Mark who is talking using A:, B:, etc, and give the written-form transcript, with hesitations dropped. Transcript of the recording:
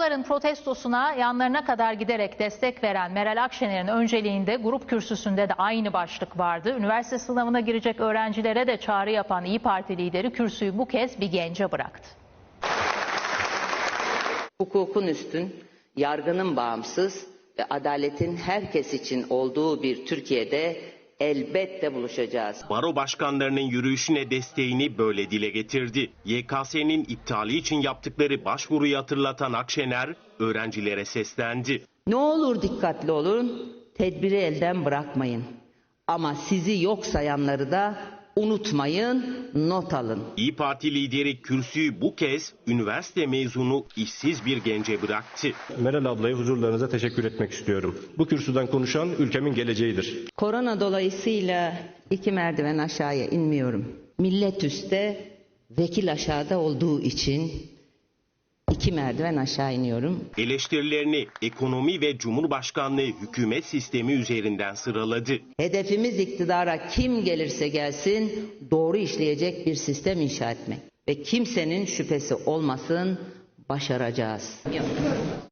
A: Mezunların protestosuna yanlarına kadar giderek destek veren Meral Akşener'in önceliğinde grup kürsüsünde de aynı başlık vardı. Üniversite sınavına girecek öğrencilere de çağrı yapan İYİ Parti lideri kürsüyü bu kez bir gence bıraktı.
B: Hukukun üstün, yargının bağımsız ve adaletin herkes için olduğu bir Türkiye'de elbette buluşacağız.
C: Baro başkanlarının yürüyüşüne desteğini böyle dile getirdi. YKS'nin iptali için yaptıkları başvuruyu hatırlatan Akşener öğrencilere seslendi.
B: Ne olur dikkatli olun, tedbiri elden bırakmayın. Ama sizi yok sayanları da unutmayın, not alın.
C: İYİ Parti lideri kürsüyü bu kez üniversite mezunu işsiz bir gence bıraktı.
D: Meral ablaya huzurlarınıza teşekkür etmek istiyorum. Bu kürsüden konuşan ülkemin geleceğidir.
B: Korona dolayısıyla 2 merdiven aşağıya inmiyorum. Millet üstte, vekil aşağıda olduğu için 2 merdiven aşağı iniyorum.
C: Eleştirilerini ekonomi ve cumhurbaşkanlığı hükümet sistemi üzerinden sıraladı.
B: Hedefimiz iktidara kim gelirse gelsin doğru işleyecek bir sistem inşa etmek. Ve kimsenin şüphesi olmasın, başaracağız.